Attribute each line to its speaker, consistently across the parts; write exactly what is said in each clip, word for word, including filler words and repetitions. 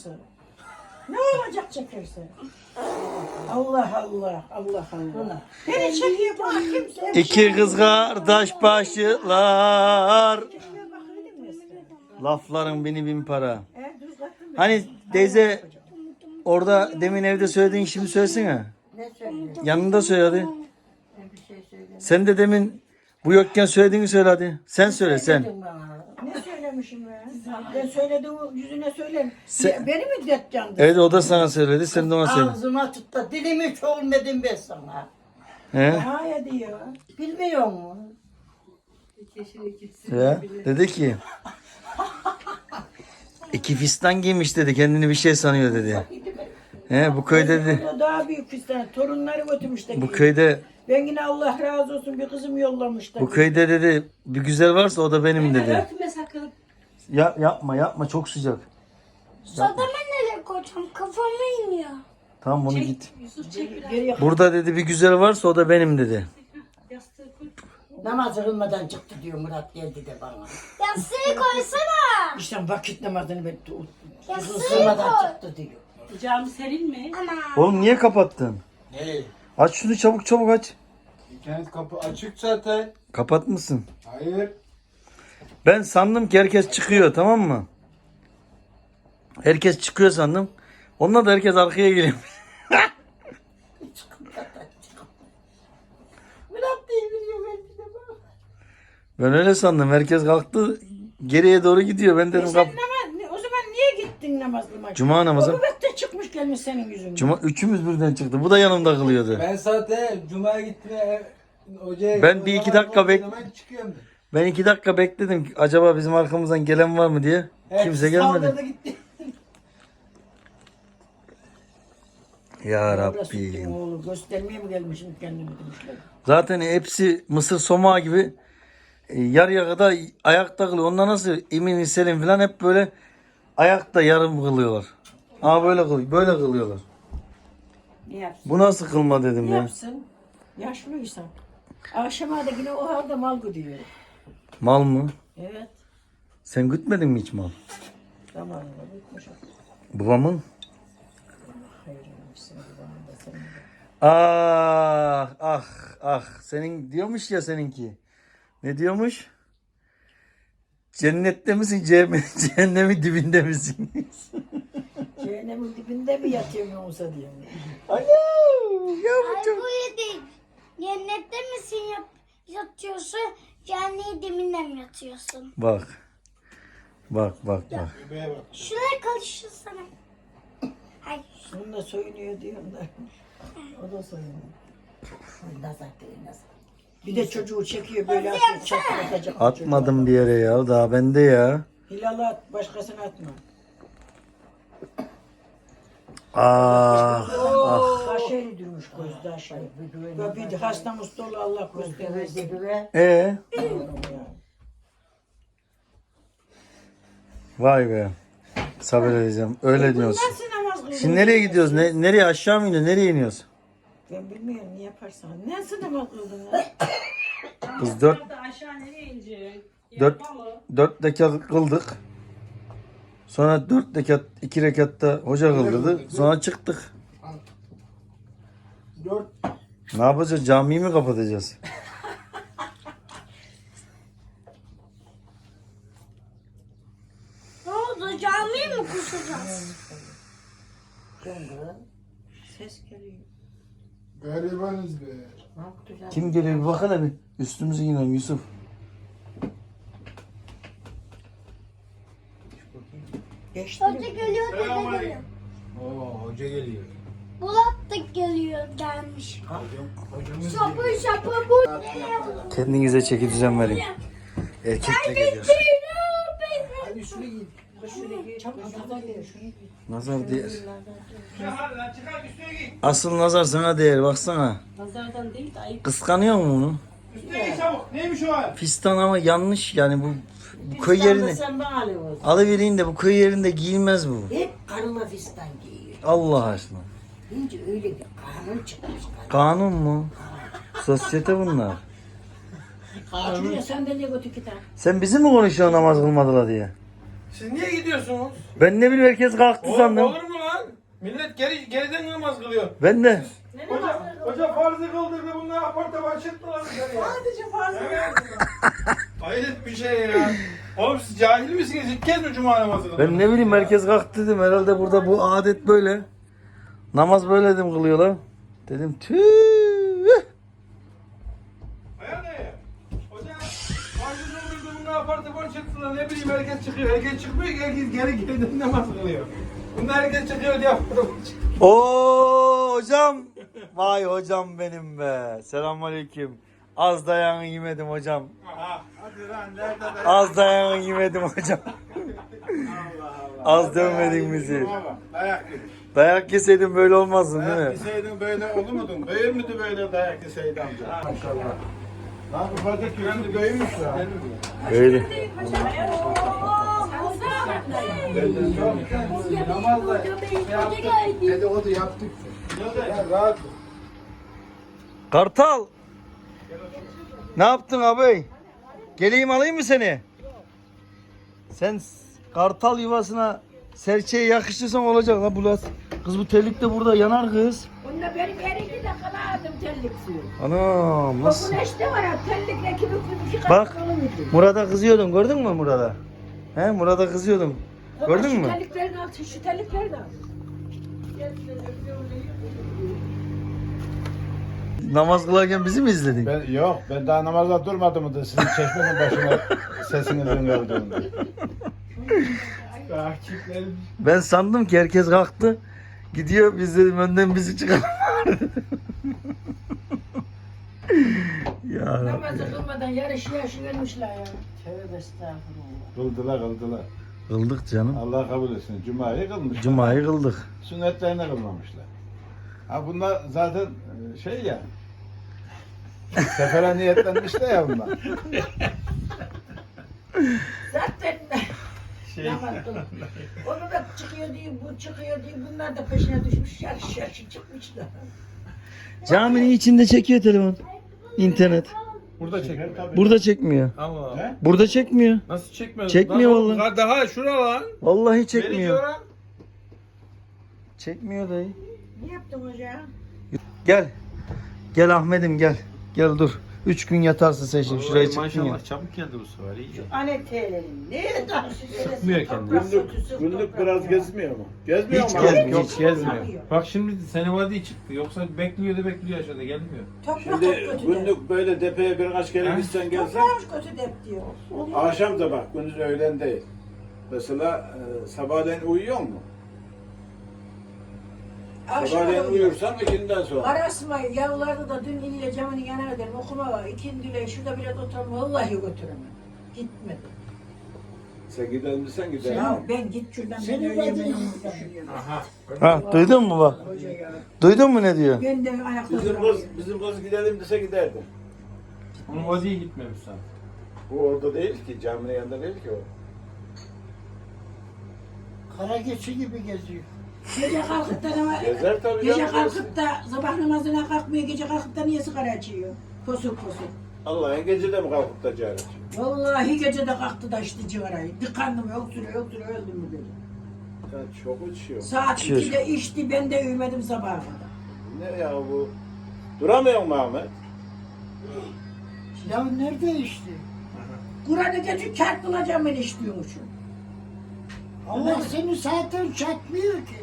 Speaker 1: Ne olacak çekerse? Allah Allah, Allah Allah. Beni çekiyor bak kimse.
Speaker 2: İki kız kardeş başlar. Lafların bini bin para. Hani teyze orada demin evde söylediğin şimdi söylesene.
Speaker 1: Ne söylüyor?
Speaker 2: Yanında söyle hadi.
Speaker 1: Ben bir şey söyleyeyim.
Speaker 2: Sen de demin bu yokken söylediğini söyle hadi. Sen söyle sen.
Speaker 1: Ne söylemişim ben? Ben söylediğim yüzüne söyleyeyim.
Speaker 2: Sen-
Speaker 1: Beni mi deteceksin?
Speaker 2: Evet o da sana söyledi. Sen de ona söyle.
Speaker 1: Ağzıma tut da dilimi hiç olmadım ben sana.
Speaker 2: He?
Speaker 1: Hayır diyor. Bilmiyor musun?
Speaker 2: Ya, dedi ki iki fistan giymiş dedi. Kendini bir şey sanıyor dedi. He, bu köyde dedi.
Speaker 1: Burada daha büyük fistan. Torunları götürmüş de.
Speaker 2: Bu köyde
Speaker 1: Ben yine Allah razı olsun bir kızım yollamış da.
Speaker 2: bu köyde dedi bir güzel varsa o da benim dedi.
Speaker 3: Örtme sakın.
Speaker 2: Ya, yapma yapma çok sıcak.
Speaker 4: Sademe nereye koyacağım? Kafama iniyor.
Speaker 2: Tamam bunu git.
Speaker 3: Yusuf çek biraz.
Speaker 1: Geriye
Speaker 2: Burada dedi bir güzel varsa o da benim dedi.
Speaker 3: Yastığı koy.
Speaker 1: namaz kılmadan çıktı diyor Murat geldi de bana.
Speaker 4: Yastığı koysana.
Speaker 1: İşte vakit namazını ben
Speaker 4: Yastığı
Speaker 1: kılmadan
Speaker 4: koy.
Speaker 1: çıktı diyor.
Speaker 3: Cami serin mi?
Speaker 4: Ana.
Speaker 2: Oğlum niye kapattın?
Speaker 5: Ne?
Speaker 2: Aç şunu çabuk çabuk aç.
Speaker 5: İnternet kapı açık zaten.
Speaker 2: Kapatmışsın.
Speaker 5: Hayır.
Speaker 2: Ben sandım ki herkes çıkıyor tamam mı? Herkes çıkıyor sandım. Onunla da herkes arkaya geliyor.
Speaker 1: Murat diye biliyor belki de bak.
Speaker 2: Ben öyle sandım. Herkes kalktı. Geriye doğru gidiyor. Ben dedim
Speaker 1: Sen
Speaker 2: kap.
Speaker 1: namaz, ne- o zaman niye gittin namaz kılmaya?
Speaker 2: Cuma namazı.
Speaker 1: O nöbette çıkmış gelmiş senin yüzünden.
Speaker 2: Cuma üçümüz birden çıktı. Bu da yanımda kılıyordu.
Speaker 5: Ben zaten Cuma'ya gitmeye hocaya...
Speaker 2: Ben bir iki dakika bek-
Speaker 5: Hemen çıkıyorum.
Speaker 2: Ben iki dakika bekledim. Acaba bizim arkamızdan gelen var mı diye.
Speaker 5: Evet,
Speaker 2: Kimse gelmedi.
Speaker 5: saldırdı gitti.
Speaker 2: Ya
Speaker 1: Burası kim
Speaker 2: Rabbim.
Speaker 1: oğlu göstermeye mi gelmişim kendimi demişler.
Speaker 2: Zaten hepsi mısır somağı gibi e, yarıya kadar ayakta kılıyor. Onlar nasıl emin selim falan hep böyle ayakta yarım kılıyorlar. Ama böyle kılıyor. Böyle kılıyorlar.
Speaker 1: Ne yapsın?
Speaker 2: Bu nasıl kılma dedim
Speaker 1: Ne
Speaker 2: ya.
Speaker 1: yapsın? Yaşlıysan. Akşama da yine o halde mal gidiyor.
Speaker 2: Mal mı?
Speaker 1: Evet.
Speaker 2: Sen gütmedin mi hiç mal?
Speaker 1: Zamanında bitmiş.
Speaker 2: Babamın?
Speaker 1: Hayır, hepsini zamanında senin de.
Speaker 2: Ah ah ah. Senin diyormuş ya seninki. Ne diyormuş? Cennette misin? cehennem- Cehennemin dibinde misin?
Speaker 1: Cehennemin dibinde mi yatıyorsun yoksa diyor.
Speaker 2: Alo. Ya bu
Speaker 4: Ay
Speaker 2: çok...
Speaker 4: bu yedi. Cennette misin yap yatıyorsun? Cehennemin dibinde mi yatıyorsun?
Speaker 2: Bak. Bak bak bak.
Speaker 5: Bebeğe bak.
Speaker 4: Şuraya karışırsana. Ay.
Speaker 1: Bununla soyunuyor diyorum da. O da soyunuyor. Nazar değil nazar. Bir de çocuğu çekiyor böyle atıyor. Çakır atacak.
Speaker 2: Atmadım bir yere ya. Daha bende ya.
Speaker 1: Hilal'ı at. Başkasına atma.
Speaker 2: Ah. Ah.
Speaker 1: Aşağı durmuş gözde aşağı. Ve bir hasta mustalı Allah göstermesin.
Speaker 2: Ee? Vay be. Sabredeceğim. Öyle diyorsun.
Speaker 1: Nasıl namaz kılıyorsun?
Speaker 2: Şimdi nereye gidiyoruz? Ne, nereye aşağı mı iniyoruz? Nereye iniyoruz?
Speaker 1: Ben bilmiyorum ne yaparsan. Nasıl namaz kıldın ya?
Speaker 2: Biz dört,
Speaker 3: Hatta aşağı nereye inecek?
Speaker 2: dört,
Speaker 3: Yapma mı?
Speaker 2: dört rekat kıldık. Sonra dört rekat, iki rekatta hoca kıldırdı. Sonra çıktık.
Speaker 5: Dört.
Speaker 2: Ne yapacağız? Camiyi mi kapatacağız?
Speaker 4: Ne oldu? Camiye mi koşacağız?
Speaker 1: Ses geliyor.
Speaker 5: Garibanız be.
Speaker 1: Ne yapacağız?
Speaker 2: Kim geliyor? Bir bakana bir. Üstümüze inelim Yusuf.
Speaker 1: Geçti
Speaker 4: Hoca
Speaker 1: mi?
Speaker 4: geliyor, dede geliyor.
Speaker 5: Oo hoca geliyor.
Speaker 4: Bulat da geliyor gelmiş.
Speaker 5: Hocamız
Speaker 4: Şapı şapı bu.
Speaker 2: Kendinize çeki düzen verin. Erkekle geliyor.
Speaker 5: Hadi şunu giy.
Speaker 1: Çabuk nazar değil. Şunu giy.
Speaker 2: Nazar değer. Asıl nazar sana değer. Baksana.
Speaker 3: Nazardan değil de ayıp.
Speaker 2: Kıskanıyor mu bunu?
Speaker 5: Neymiş o hal?
Speaker 2: Fistan ama yanlış yani bu, bu köy yerinde.
Speaker 1: Sen bana alıyorsun.
Speaker 2: Alıvereyim de bu köy yerinde giyilmez bu.
Speaker 1: Hep karıma fistan giyiyor.
Speaker 2: Allah aşkına.
Speaker 1: Şimdi öyle bir kanun çıkmış.
Speaker 2: Kanun mu? Sosyete bunlar.
Speaker 1: Şuraya sandalye götür iki tane.
Speaker 2: Sen bizi mi konuşuyorsun namaz kılmadılar diye?
Speaker 5: Siz niye gidiyorsunuz?
Speaker 2: Ben ne bileyim herkes kalktı
Speaker 5: Oğlum,
Speaker 2: sandım.
Speaker 5: olur mu lan? Millet geri, geriden namaz kılıyor.
Speaker 2: Ben de.
Speaker 5: Hoca, hoca farzı kıldırdı, bunlar aparta başlattılar bize ya.
Speaker 3: Sadece fazla.
Speaker 5: Evet. Hayret bir şey ya. Oğlum siz cahil misiniz? İlk kez mi cuma namazı kıldınız?
Speaker 2: Ben ne bileyim herkes kalktı dedim. Herhalde burada bu adet böyle. Namaz böyle dedim kılıyorlar. Dedim tüh.
Speaker 5: Aya ne? Hoca farzı kıldırdı, bunlar aparta başlattılar. Ne bileyim herkes çıkıyor. Herkes çıkmıyor ki herkes geri geriden namaz kılıyor. Bunlar herkes çıkıyor diye aparta başlattılar.
Speaker 2: Oo hocam. Vay hocam benim be. Selamünaleyküm. Az dayanın yemedim hocam.
Speaker 5: Aha. Hadi lan nerede de?
Speaker 2: Az dayanın yemedim hocam. Az dövmedin bizi.
Speaker 5: Dayak yedik.
Speaker 2: Dayak yeseydin böyle olmazdın değil
Speaker 5: Dayak
Speaker 2: mi?
Speaker 5: yeseydin böyle olur muydun? Büyür müydü böyle dayak yeseydi amca? Maşallah. Lan ufacık yüzü büyümüş ya.
Speaker 2: Öyle.
Speaker 5: Benden çok namazla dedikodu yaptık. Ya rahat.
Speaker 2: Kartal. Ne yaptın abi? Geleyim alayım mı seni? Sen s- kartal yuvasına serçeye yakıştırsan olacak la Bulat. Kız bu terlik de burada yanar kız.
Speaker 6: Bunda benim elinde de kaladım terlik suyu.
Speaker 2: Anam
Speaker 6: O
Speaker 2: nasıl?
Speaker 6: güneşte var ya terlikle kimi iki
Speaker 2: Bak.
Speaker 6: kat kalın idi.
Speaker 2: Murat'a kızıyordun gördün mü Murat'a? He Murat'a kızıyordum. Gördün
Speaker 6: Şu
Speaker 2: mü?
Speaker 6: terliklerini al, şu terliklerini al.
Speaker 2: Namaz kılarken bizi mi izledin?
Speaker 7: Ben, yok ben daha namazda durmadım da sizin çeşmenin başına sesinizin geldiğinde.
Speaker 5: Takiplerim.
Speaker 2: Ben sandım ki herkes kalktı. Gidiyor biz dedim önden bizi çıkar. Ya Rabbi.
Speaker 6: Namazı kılmadan yarış yaşı vermişler ya. Tövbe estağfurullah.
Speaker 7: Kıldılar kıldılar.
Speaker 2: Kıldık canım.
Speaker 7: Allah kabul etsin. Cuma'yı kılmış.
Speaker 2: Cuma'yı kıldık.
Speaker 7: Sünnetlerini kılmamışlar. Ha bunlar zaten e, şey ya. Sefere niyetlenmiş de ya bunlar.
Speaker 6: Zaten
Speaker 5: Şey.
Speaker 6: namaz kıl. Onu da çıkıyor diye, bu çıkıyor diye bunlar da peşine düşmüş yarış yarışı çıkmışlar.
Speaker 2: Caminin içinde çekiyor telefon. İnternet.
Speaker 5: Burada çekiyor.
Speaker 2: Burada çekmiyor.
Speaker 5: Allah.
Speaker 7: He?
Speaker 2: Burada çekmiyor.
Speaker 5: Nasıl çekmiyor?
Speaker 2: Çekmiyor
Speaker 5: Lan,
Speaker 2: vallahi.
Speaker 5: Daha şura lan.
Speaker 2: Vallahi
Speaker 5: Beni
Speaker 2: çekmiyor.
Speaker 5: diyor lan.
Speaker 2: Çekmiyor dayı.
Speaker 6: Ne yaptın hoca?
Speaker 2: Gel. Gel Ahmet'im gel. Gel dur. Üç gün yatarsın sen şimdi. Şuraya çıktın ya.
Speaker 5: çabuk geldi bu sefer iyi.
Speaker 6: Anetelerin ne taşı
Speaker 5: Sıkmıyor kendini.
Speaker 7: Günlük, günlük biraz gezmiyor mu? Gezmiyor
Speaker 2: Hiç
Speaker 7: mu?
Speaker 2: gezmiyor.
Speaker 5: Hiç gezmiyor. Bak şimdi sene vadi çıktı. Yoksa bekliyordu bekliyor aşağıda gelmiyor.
Speaker 6: Toprak
Speaker 7: Şimdi
Speaker 6: kötü de.
Speaker 7: günlük böyle depeye birkaç kere
Speaker 5: He?
Speaker 7: gitsen gelsen
Speaker 6: Toprak kötü de diyor.
Speaker 7: akşam da bak gündüz öğlen değil. Mesela e, sabahleyin uyuyor mu? Sabahleyin uyursan ikinden sonra.
Speaker 6: Arasma yavrularda da dün ille camının yanına dedim okuma var. İkindile şurada biraz oturma vallahi götüremem. Gitmedi.
Speaker 7: Sen gider misin gider.
Speaker 6: Ya ben git şuradan ben öyle ben
Speaker 5: Aha.
Speaker 2: Ha duydun mu bak? Duydun mu ne diyor?
Speaker 6: Ben de ayakta
Speaker 7: Bizim
Speaker 6: duramıyorum.
Speaker 7: kız, bizim kız gidelim dese giderdim.
Speaker 5: Onun vadiye gitmemiş sen.
Speaker 7: Bu orada değil ki, caminin yanında değil ki o.
Speaker 1: Kara geçi gibi geziyor.
Speaker 6: Gece kalkıp da ama
Speaker 7: Gezer tabii
Speaker 6: gece
Speaker 7: canım.
Speaker 6: kalkıp da sabah namazına kalkmıyor. Gece kalkıp da niye sigara içiyor? Posuk posuk.
Speaker 7: Allah'ın gece de mi kalkıp da cahil açıyor?
Speaker 6: Vallahi gece de kalktı da içti cigarayı. Tıkandım öksürüyor öksürüyor öldüm mü dedi.
Speaker 7: Ya çok uçuyor.
Speaker 6: Saat
Speaker 2: İçiyor.
Speaker 6: ikide içti ben de uyumadım sabaha kadar.
Speaker 7: Ne ya bu? Duramıyor mu Ahmet?
Speaker 1: Ya nerede işte?
Speaker 6: Kur'an'ı gece çarptılacağım ben içtiyormuşum.
Speaker 1: Allah seni zaten çarpmıyor ki.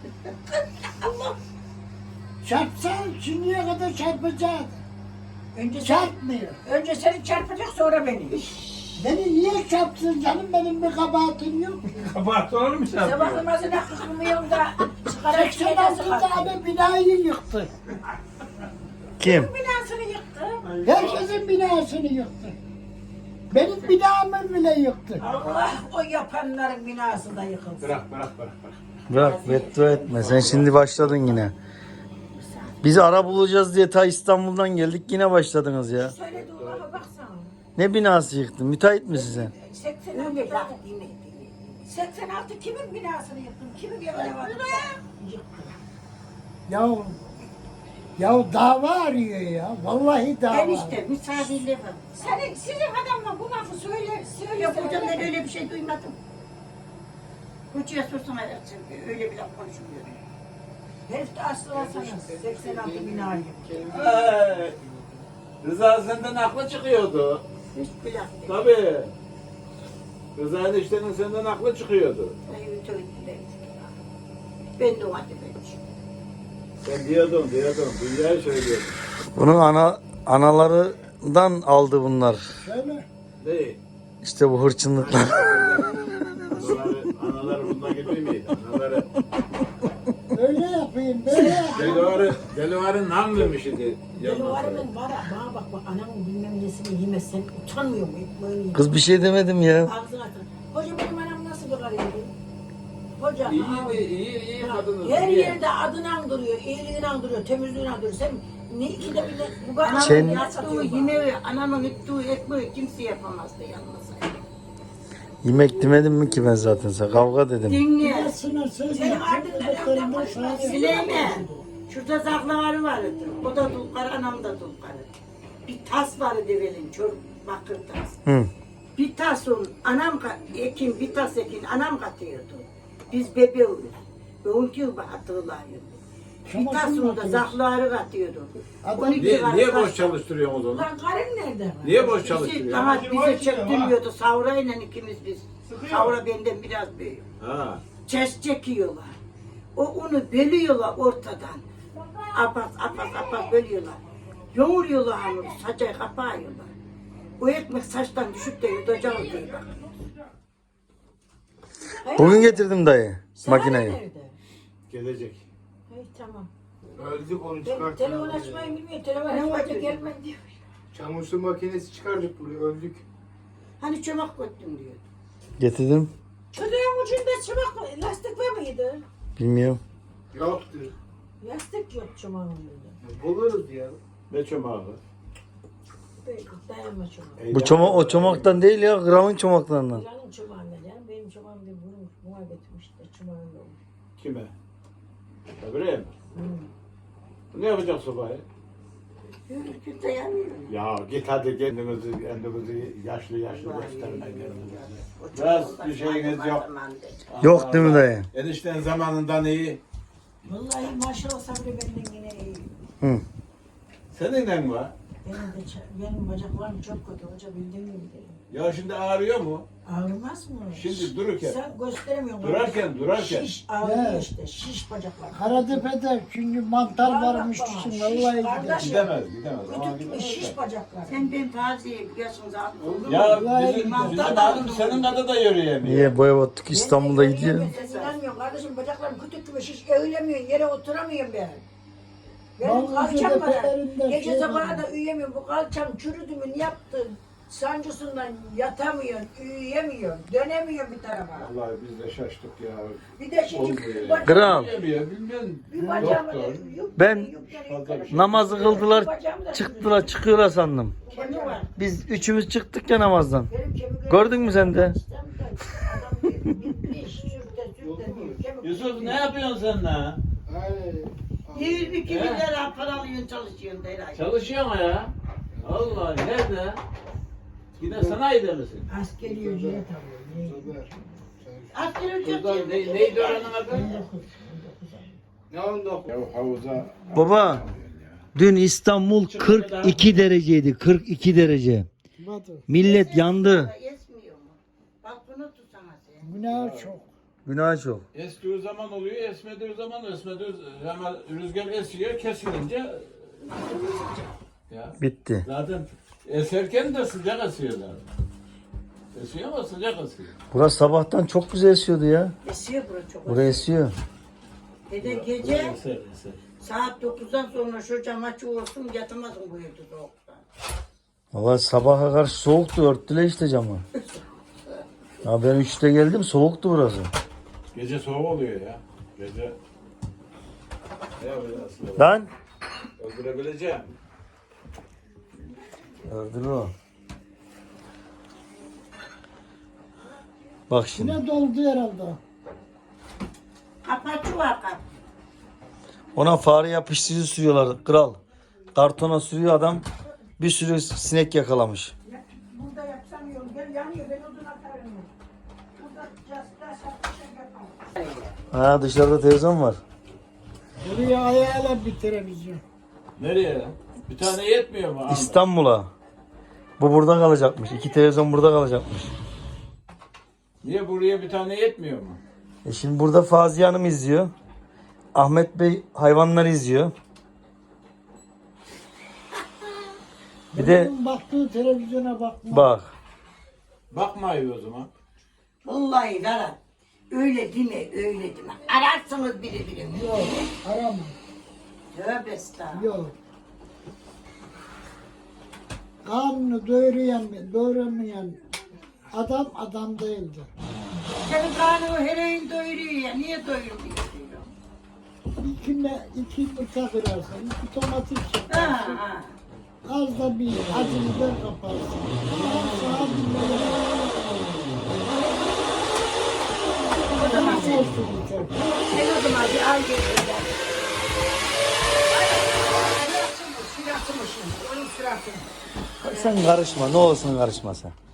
Speaker 1: Çarpsa şimdiye kadar çarpacaktı.
Speaker 6: Önce sen,
Speaker 1: Çarpmıyor.
Speaker 6: önce seni çarpacak sonra beni.
Speaker 1: Beni niye çarpsın canım, benim bir kabahatim yok.
Speaker 5: Kabahat olur mu sen?
Speaker 6: Sabah namazına kılmıyorum da sigara içmeye
Speaker 1: seksen
Speaker 6: nasıl
Speaker 1: altı
Speaker 6: kalktı?
Speaker 1: tane binayı yıktı.
Speaker 2: Kim?
Speaker 6: Binasını yıktı.
Speaker 1: Herkesin binasını yıktı. Benim binamı bile yıktı.
Speaker 6: Allah o yapanların binası da yıkılsın.
Speaker 5: Bırak bırak bırak. bırak.
Speaker 2: Bırak beddua etme. Sen şimdi başladın yine. Bizi ara bulacağız diye ta İstanbul'dan geldik yine başladınız ya.
Speaker 6: Söyledi Allah'a baksana.
Speaker 2: Ne binası yıktın? Müteahhit mi size?
Speaker 6: seksen altı seksen altı kimin binasını yıktın? Kimin evine var? Yıktı.
Speaker 1: Ya ya dava arıyor ya. Vallahi dava.
Speaker 6: Enişte misafirliği var. Senin, sizin adamla bu lafı söyle, söyle. Ya buradan ben öyle bir şey duymadım.
Speaker 1: Hocaya sorsana Erçin, öyle bile konuşmuyor.
Speaker 6: Herif de aslı sana seksen altı bin aylık.
Speaker 7: Ay, Rıza senden aklı çıkıyordu.
Speaker 1: Hiç bile.
Speaker 7: Tabii. Rıza eniştenin senden aklı çıkıyordu.
Speaker 1: Ben de o halde ben.
Speaker 7: Sen diyordun, diyordun. Dünyayı söylüyordun.
Speaker 2: Bunun ana analarından aldı bunlar.
Speaker 7: Değil.
Speaker 2: İşte bu hırçınlıklar.
Speaker 7: Anaları, anaları bundan gibi miydi? Anaları.
Speaker 8: Öyle yapayım, böyle yapayım.
Speaker 7: Delivarı, delivarı nam vermiş idi.
Speaker 6: Delivarımın var ha, bana bak bak anamın bilmem nesini yemez, sen utanmıyor mu? Ekmeğini
Speaker 2: Kız bir şey demedim ya.
Speaker 6: ağzına atın. Hoca benim anam nasıl bir karıydı? Hoca,
Speaker 7: İyi
Speaker 6: aa,
Speaker 7: de iyi, iyi kadınız.
Speaker 6: her
Speaker 7: iyi.
Speaker 6: yerde adını andırıyor, iyiliğini andırıyor, temizliğini andırıyor. Sen ne ikide bir de bu kadar
Speaker 2: Sen-
Speaker 6: yağ
Speaker 1: Yaptığı
Speaker 6: satıyor bana.
Speaker 1: yemeği, anamın ettiği ekmeği kimse yapamazdı yalnız.
Speaker 2: Yemek demedim mi ki ben zaten sana? Kavga dedim.
Speaker 1: Dinle.
Speaker 8: Sınır söz
Speaker 6: Senin
Speaker 8: yapacak
Speaker 6: ardından
Speaker 8: çocuklarından
Speaker 6: evden konuşma.
Speaker 8: sadece-
Speaker 1: Süleyman, şurada zaklavarı vardı. O da dulkar, anam da dulkarı. Bir tas vardı develin, çor bakır tas.
Speaker 2: Hı.
Speaker 1: Bir tas un, anam ka- ekin, bir tas ekin, anam katıyordu. Biz bebeğiz. Ve on yıl hatırlayın. Bir tas un da zaklavarı katıyordu. on iki
Speaker 7: Niye,
Speaker 1: var
Speaker 7: niye
Speaker 1: tas-
Speaker 7: boş çalıştırıyorsunuz onu?
Speaker 6: Lan karın nerede?
Speaker 7: Niye boş
Speaker 1: Bizi,
Speaker 7: çalıştırıyor?
Speaker 1: ama bize çektirmiyordu. Savrayla ikimiz biz. Savra benden biraz büyük.
Speaker 7: Ha.
Speaker 1: Çes çekiyorlar. O unu bölüyorlar ortadan. Apas apas apas bölüyorlar. Yoğuruyorlar hamuru, saçayı kapağıyorlar. O ekmek saçtan düşüp de yutacağı diye bak.
Speaker 2: Bugün getirdim dayı
Speaker 6: Sana
Speaker 2: makineyi.
Speaker 6: nerede?
Speaker 7: Gelecek.
Speaker 6: Hey, tamam.
Speaker 5: Öldük onu
Speaker 6: Ben
Speaker 5: çıkarttık.
Speaker 6: telefon açmayı bilmiyorum. Telefon açmayı gelmem diyor.
Speaker 5: Çamaşır makinesi çıkardık buraya öldük.
Speaker 1: Hani çomak koydum diyor.
Speaker 2: Getirdim.
Speaker 6: Çocuğun ucunda çımak lastik var mıydı?
Speaker 2: Bilmiyorum.
Speaker 5: Yoktu.
Speaker 6: Lastik yok çomağın ucunda.
Speaker 5: Buluruz ya.
Speaker 7: Ne çomağı?
Speaker 6: Belki dayanma çomağı.
Speaker 2: Bu çomak o çomaktan değil ya. Gramın çomaklarından.
Speaker 6: Planın çomağında canım. Benim çomağım bir vurmuş. Buna getirmiş de çomağım yok.
Speaker 7: Kime? Öbüreye mi? Ne yapacak sobayı?
Speaker 1: Yürürken dayanıyorum.
Speaker 7: Ya git hadi kendinizi, kendinizi yaşlı yaşlı göstermeyin kendinizi. Biraz bir şeyiniz yok.
Speaker 2: Yok değil mi dayı?
Speaker 7: Enişten zamanından iyi.
Speaker 6: Vallahi maşallah sabri benden yine iyi.
Speaker 2: Hı.
Speaker 7: Seninle mi var?
Speaker 6: Benim de ça- benim bacaklarım çok kötü. Hoca bildiğin gibi değil.
Speaker 7: Ya şimdi ağrıyor mu?
Speaker 6: Ağrımaz mı?
Speaker 7: Şimdi dururken.
Speaker 6: Sen gösteremiyorsun.
Speaker 7: Durarken, durarken.
Speaker 6: Şiş ağrıyor
Speaker 8: Evet.
Speaker 6: işte. Şiş bacaklar.
Speaker 8: Karatepe'de çünkü mantar varmış
Speaker 6: Bak,
Speaker 8: düşün
Speaker 6: şiş,
Speaker 8: vallahi
Speaker 6: kardeş.
Speaker 8: gider.
Speaker 7: Gidemez, gidemez. Ama
Speaker 6: Kütük gibi
Speaker 7: gidemez.
Speaker 6: şiş bacaklar.
Speaker 1: Sen ben taziye biliyorsunuz abi.
Speaker 7: Ya
Speaker 8: Vallahi
Speaker 7: bizim,
Speaker 8: gidemez.
Speaker 7: bizim abim senin kadar da yürüyemiyor.
Speaker 2: Niye boya battık İstanbul'da
Speaker 6: Ben de
Speaker 2: gidiyor.
Speaker 6: yürüyemiyorum, sen inanmıyorsun kardeşim bacaklarım kütük gibi şiş. Eğilemiyorsun. Yere oturamıyorum ben. Benim
Speaker 8: Vallahi
Speaker 6: kalçam var.
Speaker 8: tepelerinde
Speaker 6: Gece
Speaker 8: şey
Speaker 6: sabaha
Speaker 8: var.
Speaker 6: da uyuyamıyorum. Bu kalçam çürüdü mü ne yaptı? Sancısından yatamıyorsun, uyuyamıyorsun, dönemiyorsun bir tarafa.
Speaker 7: Vallahi biz de şaştık ya.
Speaker 6: Bir de şimdi
Speaker 7: Olmuyor
Speaker 6: bir
Speaker 7: ya.
Speaker 6: bacağım,
Speaker 2: Kral.
Speaker 7: Yürüyemiyor, bilmem.
Speaker 6: bir bacağım,
Speaker 7: Doktor.
Speaker 6: yuk-
Speaker 2: Ben
Speaker 6: yuk-
Speaker 7: fazla bir şey.
Speaker 2: namazı kıldılar,
Speaker 6: Bir bacağım da
Speaker 2: çıktılar, çıkıyorlar sandım.
Speaker 1: Kemi var.
Speaker 2: Biz üçümüz çıktık ya namazdan.
Speaker 6: Benim kemiklerim-
Speaker 2: Gördün mü sen de?
Speaker 6: Adam bitmiş, sürte sürte diyor. Kemik-
Speaker 7: Yusuf ne yapıyorsun sen lan?
Speaker 1: Yüz bir iki bin lira para alıyorsun çalışıyorsun da herhalde.
Speaker 7: Çalışıyor mu ya? Allah nerede? Yine sanayide misin?
Speaker 6: Askeri ücret alıyor. ne?
Speaker 1: Asgari ücret
Speaker 7: Burada
Speaker 1: yirmi
Speaker 7: ne,
Speaker 1: iki bin
Speaker 7: neydi
Speaker 1: lira.
Speaker 7: oranın adı?
Speaker 5: Ne oldu?
Speaker 7: Ya havuza...
Speaker 2: Baba, dün İstanbul kırk iki dereceydi. kırk iki derece. Millet yandı.
Speaker 1: Esmiyor mu? Bak bunu tutsana sen.
Speaker 8: Günah çok.
Speaker 2: Günah çok.
Speaker 7: Estiği zaman oluyor, esmediği zaman esmediği hemen rüzgar esiyor, kesilince ya
Speaker 2: Bitti.
Speaker 7: zaten eserken de sıcak esiyor zaten. Esiyor ama sıcak esiyor.
Speaker 2: Burası sabahtan çok güzel esiyordu ya.
Speaker 1: Esiyor burası çok.
Speaker 2: Buraya esiyor.
Speaker 1: Dede gece
Speaker 7: Eser, eser.
Speaker 1: saat dokuzdan sonra şu cam açık olsun yatamazsın bu evde soğuktan.
Speaker 2: Valla sabaha karşı soğuktu. Örttüler işte camı. Ya ben üçte geldim soğuktu burası.
Speaker 7: Gece soğuk oluyor ya. Gece ne yapacağız?
Speaker 2: Lan.
Speaker 7: Öldürebileceğim.
Speaker 2: Öldürür o. Bak şimdi.
Speaker 8: Yine doldu herhalde.
Speaker 1: Kapatçı var kap.
Speaker 2: Ona fare yapıştırıcı sürüyorlar kral. Kartona sürüyor adam. Bir sürü sinek yakalamış.
Speaker 6: Burada yapsam yol gel yanıyor ben odun atarım. Burada just, just, just, yapalım.
Speaker 2: Ha dışarıda televizyon var.
Speaker 8: Buraya ayağıyla bir televizyon.
Speaker 7: Nereye? Bir tane yetmiyor mu Ahmet?
Speaker 2: İstanbul'a. Bu burada kalacakmış. İki televizyon burada kalacakmış.
Speaker 7: Niye buraya bir tane yetmiyor mu?
Speaker 2: E şimdi burada Faziye Hanım izliyor. Ahmet Bey hayvanları izliyor. Bir de
Speaker 8: Onun baktığı televizyona bakma.
Speaker 2: bak.
Speaker 7: Bakmayın o zaman.
Speaker 1: Vallahi Berat. Öyle deme, öyle deme. Ararsınız biri birini.
Speaker 8: Yok arama.
Speaker 1: Tövbe estağfurullah.
Speaker 8: Yok. Karnını doyurayan, doyuramayan adam adam değildir.
Speaker 1: Senin karnını her öğün doyuruyor ya. Niye doyurmuyor diyor.
Speaker 8: İkine iki yumurta kırarsın, iki domates
Speaker 1: Ha
Speaker 8: yaparsın.
Speaker 1: ha.
Speaker 8: Az da bir acını da kaparsın. Ama sağa dinleyin.
Speaker 1: O zaman
Speaker 8: Nasıl
Speaker 1: sen,
Speaker 8: olsun yeter.
Speaker 1: sen o zaman bir al gel öyle. Sırası mı? Sırası mı şimdi? Onun sırası mı?
Speaker 2: Sen karışma. Ne olsun karışma sen.